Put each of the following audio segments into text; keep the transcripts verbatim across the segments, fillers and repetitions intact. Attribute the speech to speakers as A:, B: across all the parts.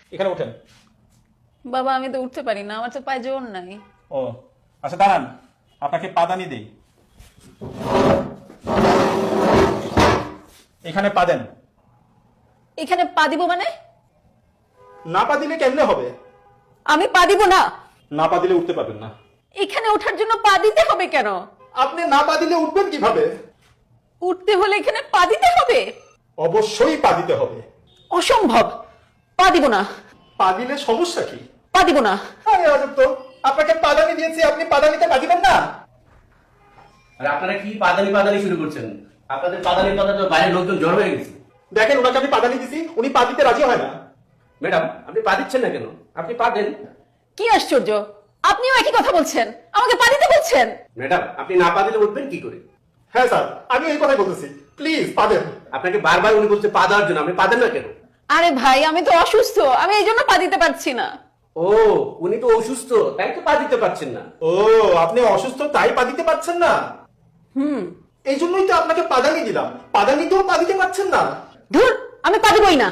A: এখানে ওঠেন।
B: বাবা আমি তো উঠতে পারি না, আমার তো পায়ে জোর নাই।
A: ও আচ্ছা দাঁড়ান, আপনাকে পাদানি দেই, এখানে পা দেন।
B: এখানে পা দিব মানে?
A: না পা দিলে কেমনে হবে?
B: আমি পা দিব না।
A: না পা দিলে উঠতে পারবেন না।
B: এখানে ওঠার জন্য পা দিতে হবে কেন?
A: আপনি না পা দিলে উঠবেন কিভাবে?
B: উঠতে হলে এখানে পা দিতে হবে?
A: অবশ্যই পা দিতে হবে।
B: অসম্ভব, পা দিব না।
A: পা দিলে সমস্যা কি?
B: পা দিব না।
A: আরে আজব তো, আপনাকে পাদানি দিয়েছি, আপনি পাদানিতে পা দিবেন না?
C: আর আপনারা কি পাদানি পাদানি শুরু করছেন? আপনাদের পাদানির কথা তো বাইরের লোকজন জড় হয়ে গেছে।
A: দেখেন ওনাকে আমি পাদানি দিছি, উনি পা দিতে রাজি হয় না।
C: ম্যাডাম আপনি পা দিচ্ছেন না কেন? আপনি পা দেন।
B: কি আশ্চর্য, আপনিও একই কথা বলছেন, আমাকে পা দিতে বলছেন।
C: ম্যাডাম আপনি না পা দিলে উঠবেন কি করে?
A: হ্যাঁ স্যার, আমি এই কথাই বলতেছি, প্লিজ পা দেন।
C: আপনাকে বারবার উনি বলছে পা দেওয়ার জন্য, আপনি পা দেন না কেন?
B: আরে ভাই আমি তো অসুস্থ, আমি এই জন্য পা দিতে পারছি না।
C: ও উনি তো অসুস্থ, তাই তো পা দিতে পারছেন না।
A: ও আপনি অসুস্থ তাই পা দিতে পারছেন না?
B: হুম।
A: এই জন্যই তো আপনাকে পাদানি দিলাম, পাদানিতেও পা দিতে পারছেন না।
B: ধুর, আমি পা দিবই না।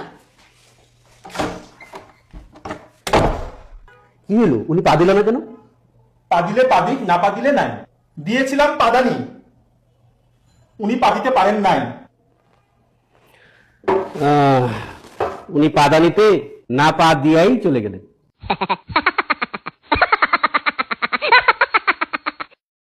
C: কি হলো, উনি পা দিল না কেন?
A: পা দিলে পা দিক, না পা দিলে নাই। দিয়েছিলাম পাদানি, উনি পা দিতে পারেন নাই।
C: উনি পাদানিতে না পা দিয়াই চলে গেলেন।